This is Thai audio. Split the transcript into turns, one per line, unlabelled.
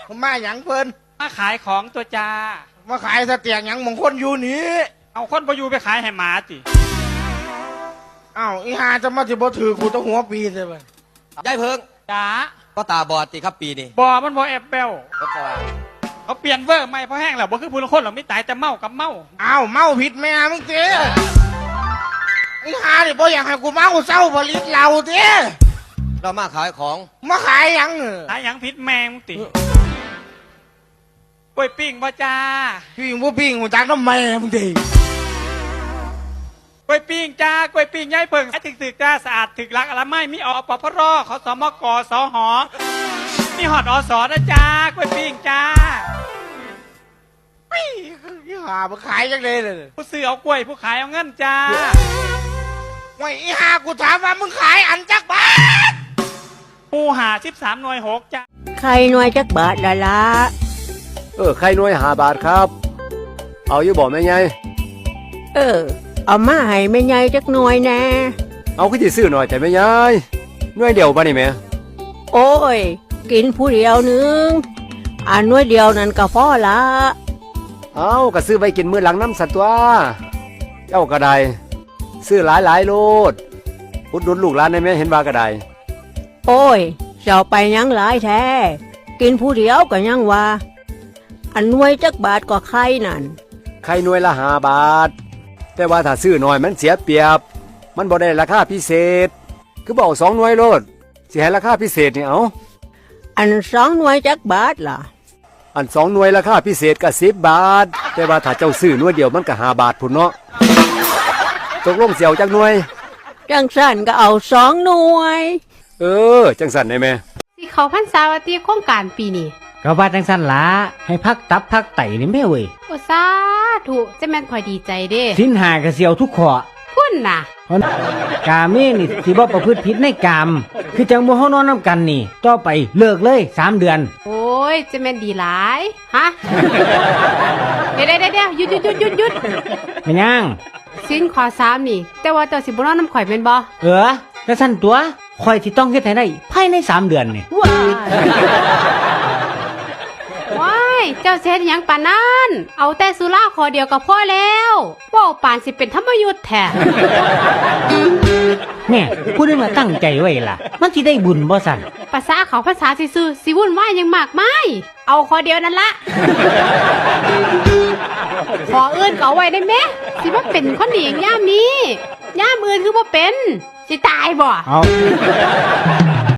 มาหยังเพิ่น
มาขายของตัวจ้า
มาขายสเตียงหยังมงคลอยู่นี่
เอาคนประยูไปขายให้หมาติ
อ้าวอีหาจะมาสิบ่ถือกูต้องหัวปีใช่ไหม
ยายเพิ่ง
จ้า
ก็ตาบอดติครับปีนี้
บอมันบอแอบเบลเขาเปลี่ยนเวอร์ใหม่เพราะแห้งแล้วบ่คือผู้ละคนหรอกไม่ตายแต่เมากับเมา
อ้าวเมาผิดแม่มึงเจ้อีหาดิบ่อยากให้กูเมาเศร้าผลิตเหล้าเจ้
เรามาขายของ
มาขายหยัง
ขายหยังผิดแมงมึงติกล้วยปิ้งบ่จ้า
ปิ้งบ่ปิ้งกูจักน้ำแม่มึงดิ
กล้วยปิ้งจ้ากล้วยปิ้งย่ายเพิ่งถึกจ้าสะอาดถึกรักอะไรไม่มีอปพรขสมกสหมีหอดอสนะจ้ากล้วยปิ้งจ้า
อีหามาขายจังเลย
ผู้ซื้อเอากล้วยผู้ขายเอาเงินจ้า
ไว้อีหากูถามว่ามึงขายอันจักบาท
ปูหา13หน่วย6จ้า
ใครหน่วยจักบาทละ
ใครหน่วย5 บาทครับเอาอยู่บอกแม่ไง
เอามาให้แม่ใหญ่จักหน่วยแน่
เอาขึ้นที่ซื้อหน่อยแต่แม่ยายหน่วยเดียวป่ะนี่แม่
โอ้ยกินผู้เดียวนึงอันหน่วยเดียวนั่นก็พอละ
เอาก็ซื้อไปกินมื้อหลังน้ำสัตว์ตัวเจ้าก็ได้ซื้อหลายโลดอุดหนุนลูกหลานได้ไหมเห็นว่ากระได
โอ้ยเจ้าไปยังหลายแท้กินผู้เดียวก็ยังว่าอันหน่วยจักบาทก็ใครนั่น
ใครหน่วยละ5 บาทแต่ว่าถ้าซื้อหน่อยมันเสียเปรียบมันบ่ได้ราคาพิเศษคือบอก2 หน่วยโลดสิให้ราคาพิเศษนี่เอา
อัน2 หน่วยจักบาทล่ะ
อัน2 หน่วยราคาพิเศษก็10 บาทแต่ว่าถ้าเจ้าซื้อหน่วยเดียวมันก็5 บาทพุ่นเนาะตกลงเสี่ยวจักหน่วย
จังสั่นก็เอา2 หน่วย
จังสั่นได้ไหม
สิเขาพรรษาวัติโครงการปีนี้
ก็ว่าจังสั่นละให้พักตับพักไตนี่แม่เว้ย
โอ้สาธุจะแม่นข่อยดีใจเด้
สิ้นหากระเสียวทุกข้อ
พุ่นน่ะ
กาเมนี่สิบ่ประพฤติผิดในกามคือจังบ่เฮานอนนํกันนี่ต่อไปเลิกเลย3 เดือน
โอ้ยจะแม่นดีหลายฮะเดี๋ยวหยุด
แม่นยัง
สิ้นข้อ3นี่แต่ว่าเจ้าสิบ่นอนนำข่อยแม่นบ่
แล้วสั่นตัวข่อยสิต้องเฮ็ดให้ได้ภายใน3 เดือนนี่
ว้ายเจ้าเฮ็ดหยังปานนั้นเอาแต่สุราขอเดียวก็พอแล้วเว้าปานสิเป็นธรรมยุทธ์แท้
เนี่ยพูดได้มาตั้งใจไว้ล่ะมันสิได้บุญบ่สั่น
ภาษาเขาภาษาซื่อๆสิวุ่นวายหยังมากมายเอาขอเดียวนั่นละขออื่นก็เอาไว้ได้แม่สิว่าเป็นคนดีอย่างยามนี้ยามอื่นคือบ่เป็นสิตายบ่
เอา